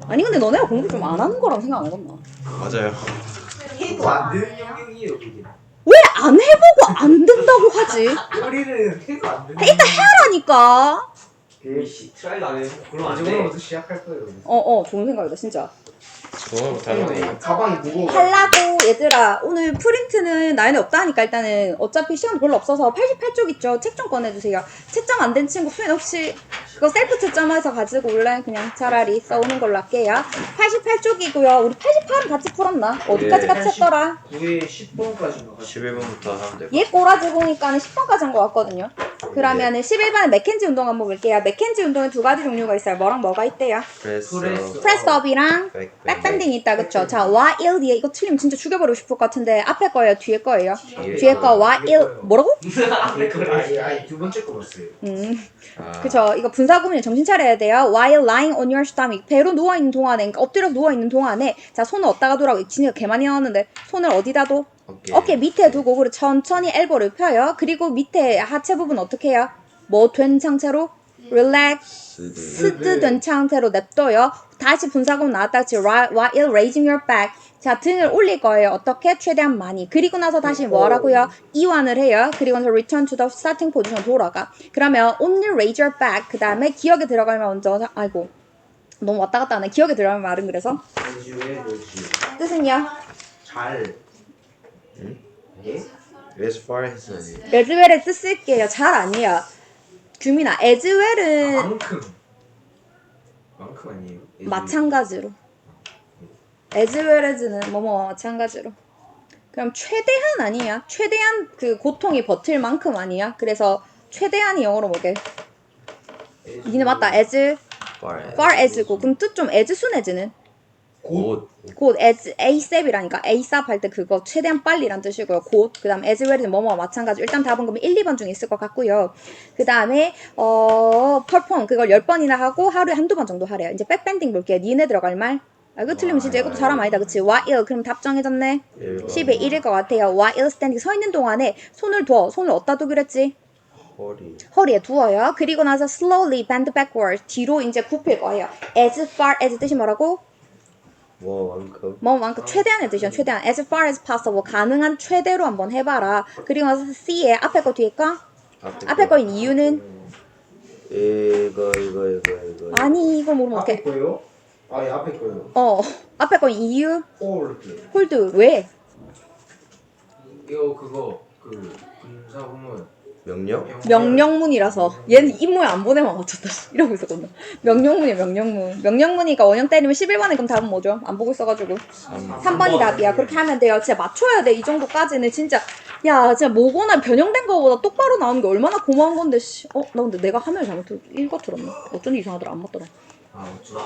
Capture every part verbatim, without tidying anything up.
아니 근데 너네가 공부 좀 안 하는 거라고 생각 안 해봤나? 맞아요. 해도 안 되는 영역이에요 그게. 왜 안 해보고 안 된다고 하지? 우리는 해도 안 되는. 일단 해라니까. 그 트라이도 안 해서 그럼 안 돼. 오늘부터 시작할 거예요. 어어 좋은 생각이다 진짜. 오늘 못하네. 가방이 무거워. 하려고 얘들아 오늘 프린트는 나연이 없다니까 일단은 어차피 시간 별로 없어서 팔십팔 쪽 있죠. 책 좀 꺼내주세요. 채점 안 된 친구 수연 혹시 그거 셀프 채점해서 가지고 올래? 그냥 차라리 써오는 걸로 할게요. 팔십팔 쪽이고요. 우리 팔십팔은 같이 풀었나? 어디까지 네. 같이 했더라? 구에 십 번까지인가 같이. 십일 번부터 하면 되고. 얘 꼬라지 보니까는 십 번까지 한 것 같거든요. 그러면은 십일 번에 맥켄지 운동 한번 볼게요. 맥켄지 운동에 두 가지 종류가 있어요. 뭐랑 뭐가 있대요? 프레스. 프레스. 프레스업이랑 백, 백. 백밴딩이 있다 그쵸? 자 while 뒤에 이거 틀리면 진짜 죽여버리고 싶을 것 같은데 앞에 거예요? 뒤에 거예요? 뒤에 뒤에 거 거. while 뭐라고? 아, 그래. 아니, 아니 두 번째 거 봤어요. 음 아. 그쵸 이거 분사구문이 정신 차려야 돼요. while lying on your stomach 배로 누워있는 동안에 그러니까 엎드려 누워있는 동안에 자 손을 어디다가 두라고 진짜 개 많이 나왔는데 손을 어디다 둬? 어깨. 어깨 밑에 두고 그리고 천천히 엘보를 펴요. 그리고 밑에 하체 부분 어떻게 해요? 뭐 된 상태로? relax 스드 된 상태로 냅둬요. 다시 분사구문 나왔다 그치? while raising your back 자 등을 올릴 거예요. 어떻게? 최대한 많이. 그리고 나서 다시 뭐 하라고요? 이완을 해요. 그리고 나서 return to the starting position 돌아가. 그러면 only raise your back 그 다음에 기억에 들어가면 먼저 아이고 너무 왔다 갔다 하네. 기억에 들어가면 말은 그래서 왜 뭐지? 뜻은요? 잘. 응? 예? as far as. as well의 뜻 쓸게요. 잘 아니야. 규민아 as well은 만큼. 만큼 아니에요? 마찬가지로 as well as는 뭐뭐 마찬가지로 그럼 최대한 아니야? 최대한 그 고통이 버틸 만큼 아니야? 그래서 최대한이 영어로 뭐게? 니네 맞다 as far as. far as고 그럼 뜻 좀 as soon as는? 곧. 곧 as asap이라니까 asap 할 때 그거 최대한 빨리란 뜻이고요. 곧 그 다음 as well은 뭐뭐 마찬가지 일단 답은 그러면 일, 이 번 중에 있을 것 같고요. 그 다음에 어 perform 그걸 열 번이나 하고 하루에 한두 번 정도 하래요. 이제 백밴딩 볼게요. 니네 들어갈 말? 아 이거 틀리면 진짜 이것도 사람 아니다 그치? while 그럼 답 정해졌네. 십에 일일 것 같아요. while standing 서 있는 동안에 손을 둬. 손을 어디다 두기로 했지? 허리. 허리에 두어요. 그리고 나서 slowly bend backward 뒤로 이제 굽힐 거예요. as far as 뜻이 뭐라고? 뭐만큼. 뭐만큼 최대한의 뜻이죠. 최대한 as far as possible 가능한 최대로 한번 해봐라. 그리고 나서 C에 앞에 거 뒤에 거? 앞에 거인 이유는? 이거 이거 이거 이거. 아니 이걸 모르면 앞에 어떡해. 거요? 아, 예, 앞에 거요. 어 앞에 거인 이유? 홀드. 홀드 왜? 이거 그거 그 분사구문. 명령? 명령문이라서 얘는 입모에 안 보내면 맞췄다 이러고 있었거든. 명령문이야 명령문. 명령문이니까 원형 때리면 십일 번에 그럼 답은 뭐죠? 안 보고 있어가지고 삼 번이 답이야. 그렇게 하면 돼요. 진짜 맞춰야 돼. 이 정도까지는 진짜 야 진짜 뭐거나 변형된 거보다 똑바로 나오는 게 얼마나 고마운 건데 씨. 어? 나 근데 내가 화면을 잘못 읽어 들었나? 어쩐지 이상하더라. 안 맞더라. 아, 어쩌다.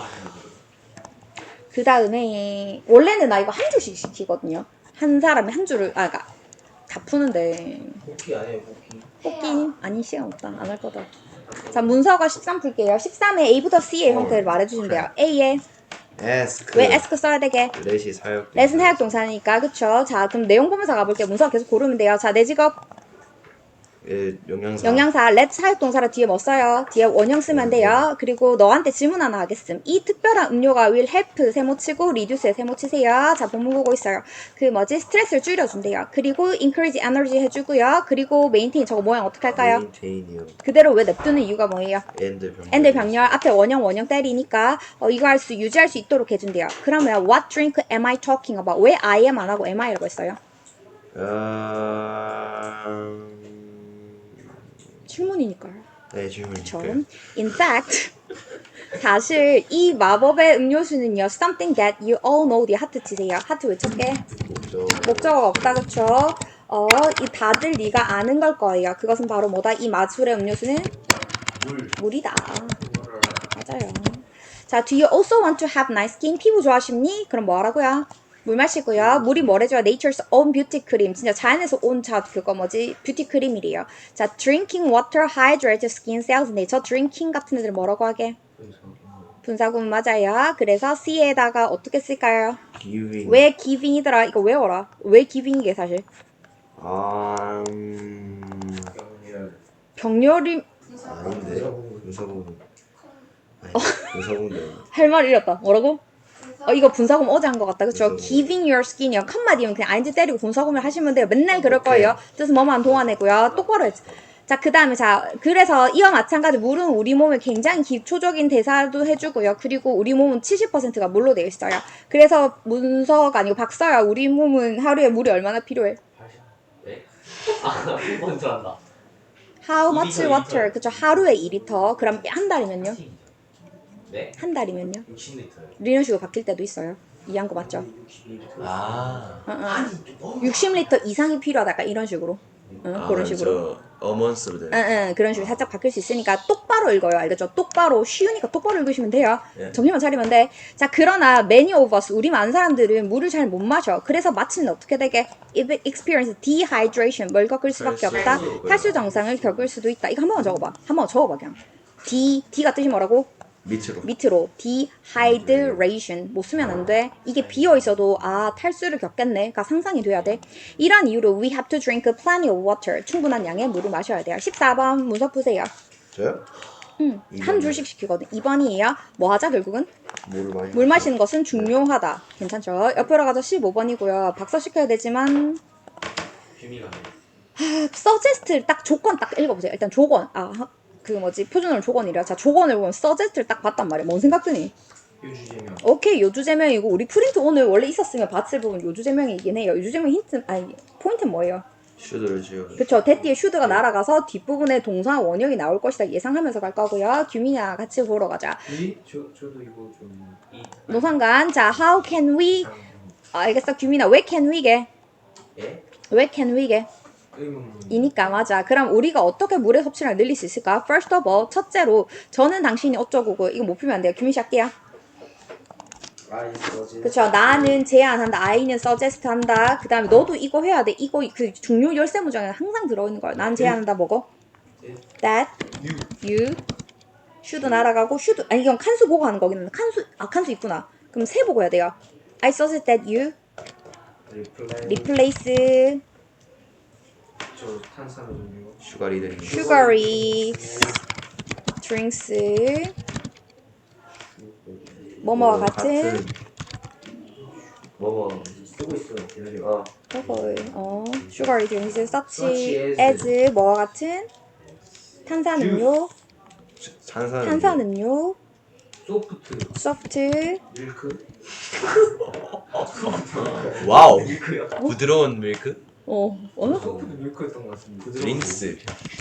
그 다음에 원래는 나 이거 한 줄씩 시키거든요. 한 사람이 한 줄을 아 그니까 다 푸는데 복귀 아니에요, 복귀. 뽑기 아니 시간 없다 안 할 거다. 자 문서가 십삼 풀게요. 십삼에 A부터 C의 형태를 말해주시면 돼요. A에 ask. 왜 ask 써야 되게? 레시 사역. 레슨 사역 동사니까 그쵸? 자 그럼 내용 보면서 가볼게요. 문서 계속 고르면 돼요. 자 내 직업 예, 영양사. 영양사 let 사역 동사로 뒤에 뭐 써요? 뒤에 원형 쓰면 돼요. 그리고 너한테 질문 하나 하겠음. 이 특별한 음료가 will help 세모치고 reduce에 세모치세요. 자 본문 보고 있어요. 그 뭐지? 스트레스를 줄여준대요. 그리고 increase energy 해주고요. 그리고 maintain 저거 모양 어떻게 할까요? 메인테인이요. 그대로 왜 냅두는 이유가 뭐예요? 엔드 병. 엔드 병렬 앞에 원형 원형 때리니까 어, 이거 할 수 유지할 수 있도록 해준대요. 그러면 what drink am I talking about? 왜 I am 안 하고 am I라고 했어요? 음... 질문이니까요. 네, 질문. 그쵸? In fact 사실 이 마법의 음료수는요 something that you all know 뒤에 하트 치세요. 하트 외쳤게. 목적. 목적어가 없다 그쵸? 어, 이 다들 네가 아는 걸 거예요. 그것은 바로 뭐다? 이 마술의 음료수는 물. 물이다. 맞아요. 자, do you also want to have nice skin? 피부 좋아하십니? 그럼 뭐 하라고요? 물 마시고요. 물이 뭐래줘요? Nature's own beauty cream. 진짜 자연에서 온 자 그거 뭐지? 뷰티 크림이래요. 자, drinking water hydrates skin cells. 네, 저 drinking 같은 애들 뭐라고 하게? 분사구문 맞아요. 그래서 C에다가 어떻게 쓸까요? giving. 왜 giving이더라? 이거 외워라. 왜 giving이게 사실? 아... 음... 병렬이 아닌데. 분사구문. 아니, 분사구문. 할 말 잃었다. 뭐라고? 어 이거 분사금 어제 한 것 같다 그쵸? 분사금. giving your skin이요 칸마디면 그냥 아인지 때리고 분사금을 하시면 돼요 맨날 그럴 오케이. 거예요 뜻은 뭐만 동안이고요 똑바로 했지 자 그 다음에 자 그래서 이와 마찬가지 물은 우리 몸에 굉장히 기초적인 대사도 해주고요 그리고 우리 몸은 칠십 퍼센트가 물로 되어 있어요 그래서 문서가 아니고 박사야 우리 몸은 하루에 물이 얼마나 필요해? 네? 아, 먼저 한다. How 이 much 리터, water? 이 리터. 그쵸 하루에 이 리터 그럼 한 달이면요? 네? 한 달이면요? 육십 리터요. 이런 식으로 바뀔 때도 있어요 이해한 거 맞죠? 아. 어, 어. 육십 리터 이상이 필요하다 약간 이런 식으로 응, 아, 그런 식으로 저 어먼스로 되는. 응, 응, 그런 식으로 살짝 바뀔 수 있으니까 똑바로 읽어요 알겠죠? 똑바로 쉬우니까 똑바로 읽으시면 돼요 예. 정신만 차리면 돼 자 그러나 many of us 우리 많은 사람들은 물을 잘 못 마셔 그래서 마침내 어떻게 되게 experience dehydration 뭘 겪을 수밖에 탈수. 없다 탈수 증상을 겪을 수도 있다 이거 한 번만 적어봐 한 번 적어봐 그냥 D, D가 뜻이 뭐라고? 밑으로. 밑으로 dehydration 못 쓰면 안 돼. 이게 비어 있어도 아 탈수를 겪겠네가 상상이 돼야 돼. 이런 이유로 we have to drink plenty of water 충분한 양의 물을 마셔야 돼요. 십사 번 문서 푸세요. 저요? 응, 한 줄씩 시키거든. 이 번이에요. 뭐 하자 결국은? 물을 마시. 물 마시는 것은 중요하다. 괜찮죠? 옆으로 가서 십오 번이고요. 박사 시켜야 되지만 규미가 서제스트를 딱 조건 딱 읽어보세요. 일단 조건 아 그 뭐지 표준어는 조건이라 자 조건을 보면 서제스트를 딱 봤단 말이야. 뭔 생각 드니? 요주제명. 오케이 요주제명이고 우리 프린트 오늘 원래 있었으면 봤을 부분 요주제명이긴 해요. 요주제명 힌트 아니 포인트는 뭐예요? 슈드를 지어. 그쵸 대띠에 슈드가 날아가서 뒷부분에 동사 원형이 나올 것이다 예상하면서 갈 거고요. 규민이야 같이 보러 가자. 이? 저, 저도 이거 좀 이. 노상관 자 how can we 아, 알겠어 규민아 왜 can we게 예? 왜 can we게 의문. 이니까 맞아. 그럼 우리가 어떻게 물의 섭취량을 늘릴 수 있을까? First of all, 첫째로 저는 당신이 어쩌고고 이거 못 풀면 안 돼요. 규민 씨 할게요. 아, 있어. 그쵸. 나는 제안한다. I는 suggest 한다. 그 다음에 너도 이거 해야 돼. 이거 그 중요 열쇠 문장에 항상 들어있는 거야. 난 제안한다. 뭐고? That you should 날아가고 should 아니 이건 칸수 보고 하는 거긴 한데 칸수 아 칸수 있구나. 그럼 세 보고 해야 돼요. I suggest that you 리플레이. replace 저 탄산음료. 슈가리들이. sugary drinks 뭐뭐와 같은 뭐뭐 쓰고 있어요. 기다려. 어. 저거 어 sugary drinks such Such as 뭐와 같은 탄산음료 탄산. 탄산음료 소프트. soft 밀크. 와우. 밀크요? 부드러운 밀크. 어 어? 소프트 밀크였던 것 같습니다. 드링스.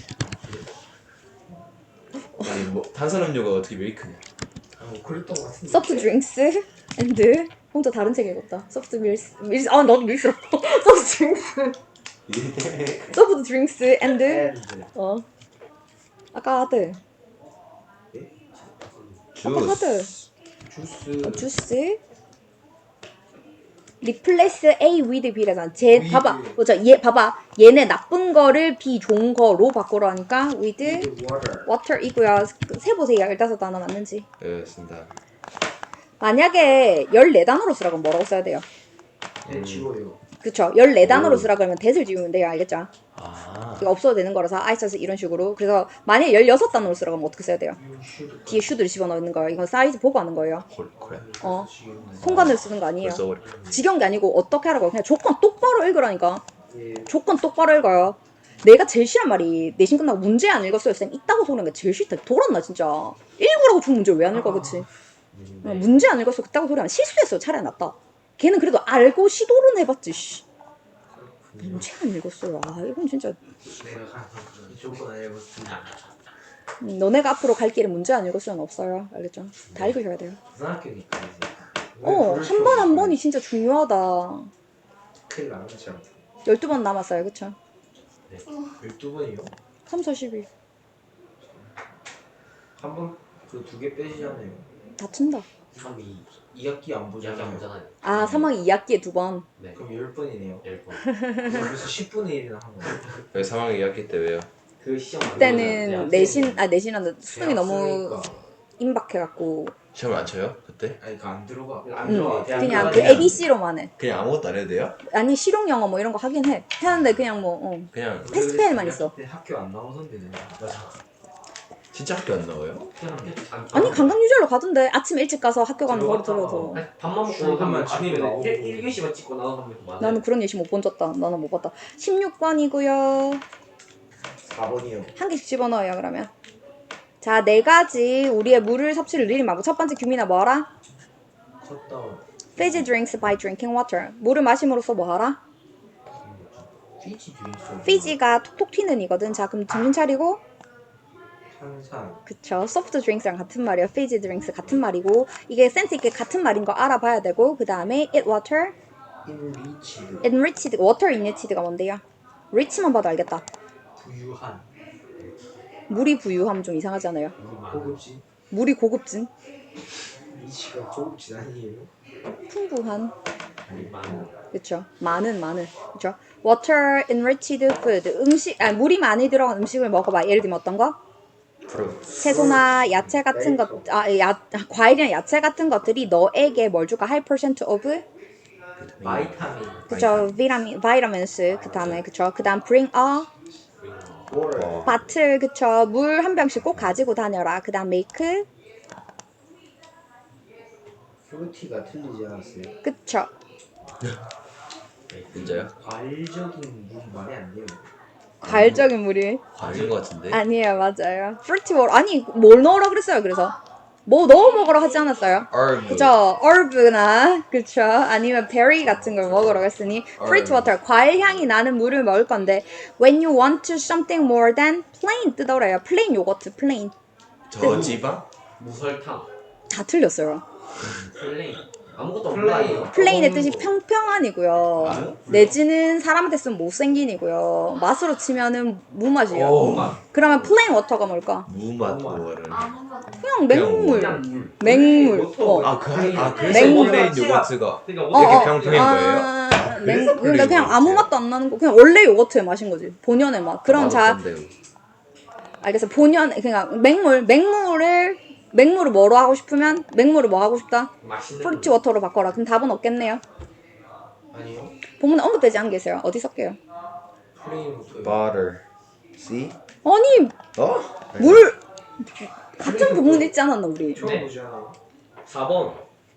아니 뭐 탄산음료가 어떻게 밀크냐? 아, 뭐 그랬던 것 같은데. soft drinks and 혼자 다른 책 읽었다. soft milks 밀스 아 나도 밀스럽고 soft drinks soft drinks and 앤드. 어 아까 하드 아까 하드 주스. 주스 replace A with B라잖아. 제 with. 봐봐, 그죠? 얘 봐봐. 얘네 나쁜 거를 B 좋은 거로 바꾸러 하니까 with with water. water이고요. 세 보세요. 열다섯 단어 맞는지. 그렇습니다. 만약에 열네 단어로 쓰라고 하면 뭐라고 써야 돼요? 네, 지워요. 그쵸? 열네 단어로 오. 쓰라 그러면 that을 지우면 돼요. 알겠죠? 아. 이거 없어도 되는 거라서 I 써서 이런 식으로. 그래서 만약에 열여섯 단어로 쓰라고 하면 어떻게 써야 돼요? You should. 뒤에 should를 집어넣는 거예요. 이건 사이즈 보고 하는 거예요. 콜 콜. 어. 통관을 쓰는 거 아니에요. 벌써 버려. 지겨운 게 아니고 어떻게 하라고 그냥 조건 똑바로 읽으라니까. 예. 조건 똑바로 읽어요. 내가 제일 싫은 말이 내신 끝나고 문제 안 읽었어요. 쌤 있다고 소리는 게 제일 싫다. 돌았나 진짜. 읽으라고 준 문제 왜 안 읽어 그치? 어, 문제 안 읽었어. 그따고 소리 하면 실수했어요. 차라리 낫다. 걔는 그래도 알고 시도는 해봤지. 씨. 문제 안 읽었어요. 아 이건 진짜 내가 조건 안 읽었습니다. 음, 너네가 앞으로 갈 길에 문제 안 읽을 수는 없어요. 알겠죠? 다 읽으셔야 돼요. 고등학교니까 이제. 어, 한 번 한 번이 진짜 중요하다. 큰일 나는 거죠. 열두 번 남았어요. 그쵸? 열두 번이요? 삼, 사, 십이. 한 번 그 두 개 빼시잖아요. 다친다. 삼, 이. 이 학기 안 이야기 안 보잖아요. 보잖아요. 아, 삼 학기 이 학기에 두 번. 네. 그럼 열 번이네요. 열 번. 그래서 십분의 일이나 한 거예요. 왜 사망 이야기 때 왜요? 그 시험 안 그때는 내신, 아, 내신한데 수능이 너무 임박해갖고. 시험 안 쳐요? 그때? 아니 그 안 들어가. 안 응, 들어가. 대학 그냥 그 들어가냐. 에이비씨로만 해. 그냥 아무것도 안 해도 돼요? 아니, 실용 영어 뭐 이런 거 하긴 해. 하는데 그냥 뭐, 어. 그냥 패스페일만 있어. 그때 학교 안 나오던데. 맞아. 진짜 학교 안 나와요? 그냥 안- 아니 관광유절로 가던데 아침 일찍 가서 학교 가는 거리 들어갔다가 들어서. 아니, 밥만 먹고 출근만 가면 치고 아니면 나오고. 일 교시만 찍고 나가면 많아요. 나는 그런 예시 못 본 적다. 나는 못 봤다. 십육 번이고요. 사 번이요. 한 개씩 집어넣어요 그러면. 자, 네 가지 우리의 물을 섭취를 늘린 방법. 첫 번째 규민아 뭐하라? 컷다운. Fizzy drinks by drinking water. 물을 마심으로써 뭐하라? 피지 드링크. Fizzy가 톡톡 튀는 이거든. 자, 그럼 정신 차리고. 항상 그쵸. soft drinks랑 같은 말이에요. Fizzy drinks 같은 말이고. 이게 센스 있게 같은 말인 거 알아봐야 되고. 그 다음에 it water, 인리치드. enriched. water enriched가 뭔데요? rich만 봐도 알겠다. 부유한. 물이 부유하면 좀 이상하지 않아요? 고급진. 물이 고급진, 리치가 고급진 아니에요? 풍부한. 많은 그쵸. 많은 많은. 그쵸. water enriched food. 음식, 아 물이 많이 들어간 음식을 먹어봐. 예를 들면 어떤 거? 프로. 채소나 야채 같은 것, 아, 야, 과일이나 야채 같은 것들이 너에게 뭘 줄까? high percent of, 바이타민. 그쵸, 비타민, vitamins, 그 다음에, 그쵸, 그 다음 bring a 월. bottle, 그쵸, 물 한 병씩 꼭 가지고 다녀라. 그 다음 make, 프루티가 틀리지 않았어요? 그쵸. 진짜요? 과일적인 물 말이 안 돼요. 과일적인 물이. 과일인 것 같은데? 아니에요, 맞아요. fruity water, 아니, 뭘 넣으라 그랬어요, 그래서. 뭐 넣어 먹으라 하지 않았어요? 얼브. 그죠? 얼브나 그쵸? 아니면 베리 같은 걸 먹으라고 했으니 fruit water, 과일 향이 나는 물을 먹을 건데 when you want something more than plain 뜨더래요. plain 요거트, plain. 저 지방? 무설탕. 다 틀렸어요. 플레인. 아무것도 플레인. 없나요? plain의 뜻이 평평한이고요. 내지는 사람한테 쓰면 못생긴이고요. 맛으로 치면은 무맛이에요. 오. 그러면 plain water가 뭘까? 무맛 워를. 그냥 맹물. 그냥 물. 맹물. 어. 아, 그, 아 그래서 맹물. 플레인 요거트가 그러니까 어, 이렇게 어. 평평한 거예요? 아, 맹, 그래서 그러니까 플레인 그냥 아무 요거트예요? 맛도 안 나는 거. 그냥 원래 요거트의 맛인 거지. 본연의 맛. 그럼 자, 맛없던데요. 알겠어. 본연 그냥 맹물, 맹물을 맹물을 뭐로 하고 싶으면 맹물을 뭐 하고 싶다? 맛있는 프루티 워터로 바꿔라. 그럼 답은 없겠네요. 아니요. 본문에 언급되지 않은 게 있어요. 어디 쓸게요? 플레인 부터. Butter. See? 아니 어? 물 같은 부분 있지 않았나 우리? 처음 네. 보지 않아. 사 번.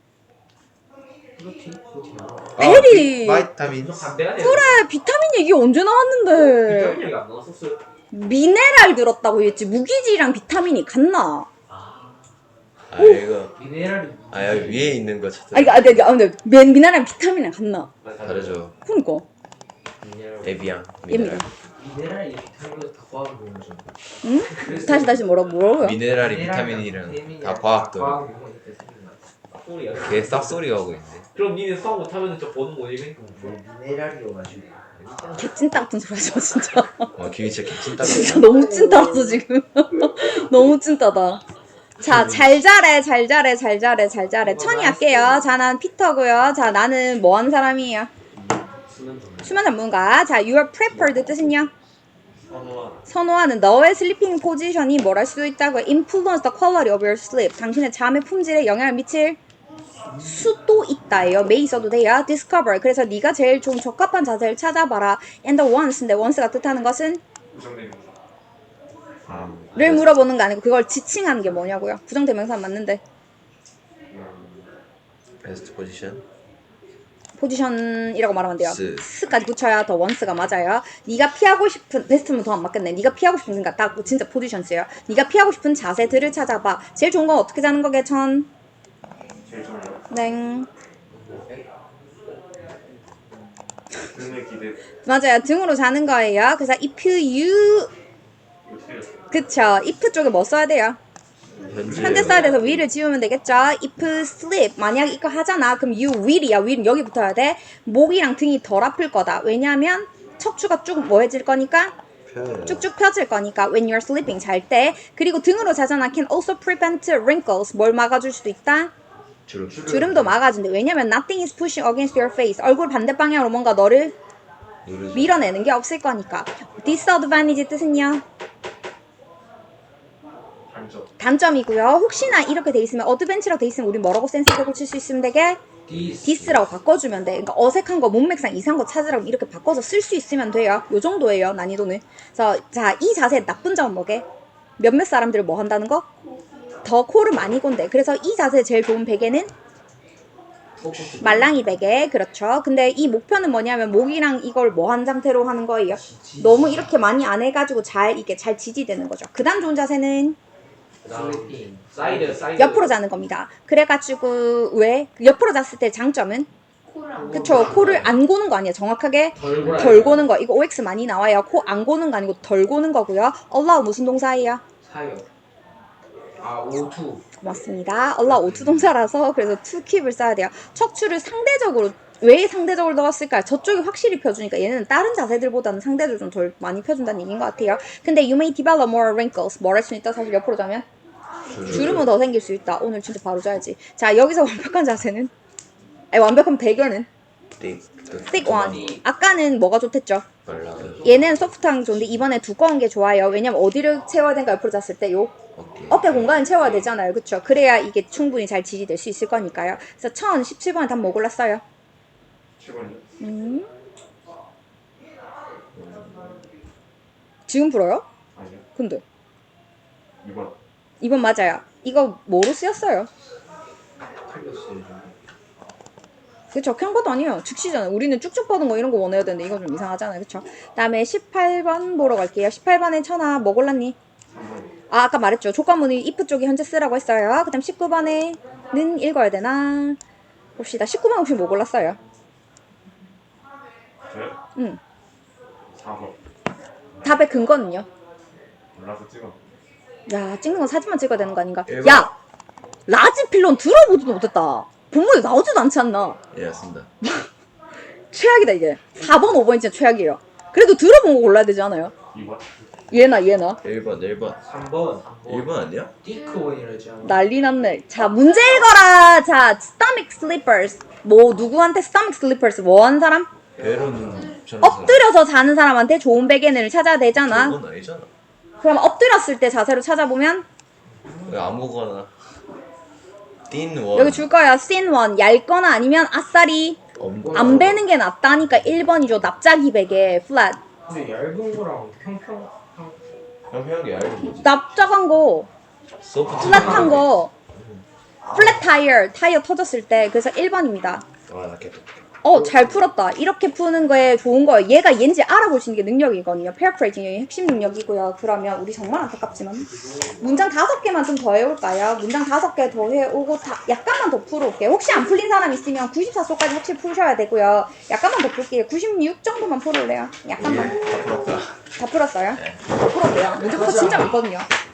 프루티? 프루티 나와. 베리. 바이타민. 반대가 돼요. 그래 비타민 얘기 언제 나왔는데? 비타민 얘기 안 나왔었어요. 미네랄 들었다고 했지 무기질이랑 비타민이 같나? 아 이거 미네랄이. 아 여기 위에 있는 거 찾아. 아 이거 아 근데 아, 근데 미- 미네랄이랑 비타민이랑 같나? 다르죠. 그러니까 에비앙. 얘입니다. 미네랄이 비타민으로 다 과학을 배우죠. 응? 다시 다시 뭐라고 뭐라고요? 미네랄이 비타민이랑 다 과학도. 과학 용어 있대 생각나. 소리야. 개 쌉소리 하고 있네. 그럼 니네 수학 못하면 저 보는 거지? 뭐 미네랄이어가지고. 개찐따 같은 소리 하지 마 진짜. 와 김이 진짜 개찐따가. 진짜 너무 찐따라서 지금. 너무 찐따다. 자, 잘 자래, 잘 자래, 잘 자래, 잘 자래. 천이 할게요. 자, 난 피터고요. 자, 나는 뭐 하는 사람이에요? 수면 좀 수면 전문가. 자, you are prepared 뜻은요? 선호하라. 선호하는 너의 슬리핑 포지션이 뭘 할 수도 있다고요. influence the quality of your sleep. 당신의 잠의 품질에 영향을 미칠 수도 있다예요. may 써도 돼요. discover. 그래서 네가 제일 좀 적합한 자세를 찾아봐라. and the once인데 once가 뜻하는 것은 를 물어보는 거 아니고 그걸 지칭하는 게 뭐냐고요. 부정대명사 맞는데 베스트 포지션. 포지션이라고 말하면 돼요. 스. 스까지 붙여야 더 원스가 맞아요. 네가 피하고 싶은 베스트면 더 안 맞겠네. 네가 피하고 싶은 그러니까 딱 진짜 포지션 쓰요. 네가 피하고 싶은 자세들을 찾아봐. 제일 좋은 건 어떻게 자는 거게 천? 제일 좋아요. 네. 등을 기대. 맞아요. 등으로 자는 거예요. 그래서 if you 그쵸. if 쪽에 뭐 써야 돼요? 현재. 현대 써야 돼서 will을 지우면 되겠죠. if sleep 만약 이거 하잖아. 그럼 you will이야. will은 여기 붙어야 돼. 목이랑 등이 덜 아플 거다. 왜냐하면 척추가 쭉 뭐해질 거니까 쭉쭉 펴질 거니까 when you're sleeping 잘 때. 그리고 등으로 자잖아. can also prevent wrinkles 뭘 막아줄 수도 있다. 주름. 주름도 막아준대. 왜냐면 nothing is pushing against your face. 얼굴 반대 방향으로 뭔가 너를 누르죠. 밀어내는 게 없을 거니까. disadvantage 뜻은요? 단점. 단점이고요. 혹시나 이렇게 돼 있으면 어드벤치라고 돼 있으면 우리 뭐라고 센스있게 고칠 수 있으면 되게 디스라고 바꿔주면 돼. 그러니까 어색한 거 몸맥상 이상한 거 찾으라고 이렇게 바꿔서 쓸 수 있으면 돼요. 요 정도예요. 난이도는. 그래서 자, 이 자세의 나쁜 점은 뭐게? 몇몇 사람들을 뭐 한다는 거? 더 코를 많이 곤대. 그래서 이 자세 제일 좋은 베개는 말랑이 베개. 그렇죠. 근데 이 목표는 뭐냐면 목이랑 이걸 뭐 한 상태로 하는 거예요? 너무 이렇게 많이 안 해가지고 잘 이게 잘 지지되는 거죠. 그 다음 좋은 자세는 그다음 슬리핑. 사이드 사이드. 옆으로 자는 겁니다. 그래가지고 왜? 옆으로 잤을 때 장점은? 코랑 그쵸. 코를 안 고는 거 아니에요. 정확하게 덜 골아야 덜 고는 거. 이거 오엑스 많이 나와요. 코 안 고는 거 아니고 덜 고는 거고요. allow 무슨 동사예요? 사요. 아 오투. 고맙습니다. allow 오투 동사라서 그래서 to keep을 써야 돼요. 척추를 상대적으로 왜 상대적으로 넣었을까요? 저쪽이 확실히 펴주니까 얘는 다른 자세들보다는 상대적으로 좀 덜 많이 펴준다는 얘기인 것 같아요. 근데 you may develop more wrinkles. 뭘 할 수 있다? 사실 옆으로 자면 주름은 더 생길 수 있다. 오늘 진짜 바로 자야지. 자, 여기서 완벽한 자세는? 아니, 완벽한 배경은? 띵. thick one. 아까는 뭐가 좋댔죠? 말라. 얘는 소프트한 게 좋은데 이번에 두꺼운 게 좋아요. 왜냐면 어디를 채워야 되는가 옆으로 잤을 때 요 어깨. 어깨 공간을 채워야 되잖아요. 그쵸? 그래야 이게 충분히 잘 지지될 수 있을 거니까요. 그래서 천십칠 번에 답 뭐 골랐어요? 칠 번이요? 음. 지금 풀어요? 아니요. 근데 이 번. 이번 맞아요. 이거 뭐로 쓰였어요? 틀렸어요. 그쵸? 큰 것도 아니에요. 즉시잖아요. 우리는 쭉쭉 뻗은 거 이런 거 원해야 되는데 이건 좀 이상하잖아요. 그쵸? 다음에 십팔 번 보러 갈게요. 십팔 번에 천아 뭐 골랐니? 삼 번. 아, 아까 말했죠. 조건문이 if 쪽이 현재 쓰라고 했어요. 그 다음 십구 번에는 읽어야 되나? 봅시다. 십구 번 혹시 뭐 골랐어요? 저요? 응. 사 번. 답의 근거는요? 몰라서 찍어. 야, 찍는 건 사진만 찍어야 되는 거 아닌가? 일 번. 야! 라지 필론 들어보지도 못했다. 본문에 나오지도 않지 않나? 예, 맞습니다. 최악이다, 이게. 사 번, 오 번이 진짜 최악이에요. 그래도 들어본 거 골라야 되지 않아요? 이 번. 얘나, 얘나. 일 번, 일 번. 삼 번. 일 번 아니야? 디크원이라지 않아. 난리 났네. 자, 문제 읽어라! 자, stomach slippers. 뭐, 누구한테 stomach slippers 뭐 한 사람? 배로는 저는 엎드려서 자는 사람한테 좋은 베개를 찾아야 되잖아. 그건 아니잖아. 그럼 엎드렸을 때 자세로 찾아보면 왜 아무거나. 띵 원. 여기 줄 거야. thin one. 얇거나 아니면 아싸리. 엄- 안 베는 게 낫다니까 일 번이죠. 납작이 베개. flat. 근데 얇은 거랑 평평. 평평한 게 얇은 거지. 납작한 거. 소프트. 플랫한 거. 플랫 타이어. 타이어 터졌을 때. 그래서 일 번입니다. 아, 나 개떡. 어, 잘 풀었다. 이렇게 푸는 거에 좋은 거예요. 얘가 얘인지 알아볼 수 있는 게 능력이거든요. 페어프레이징이 핵심 능력이고요. 그러면 우리 정말 안타깝지만 문장 다섯 개만 좀 더 해올까요? 문장 다섯 개 더 해오고 다, 약간만 더 풀어올게요. 혹시 안 풀린 사람 있으면 구십사 소까지 확실히 풀으셔야 되고요. 약간만 더 풀게요. 구십육 정도만 풀어올래요? 약간만. 다 풀었다. 다 풀었어요? 다 풀었대요. 문제부터 진짜 많거든요.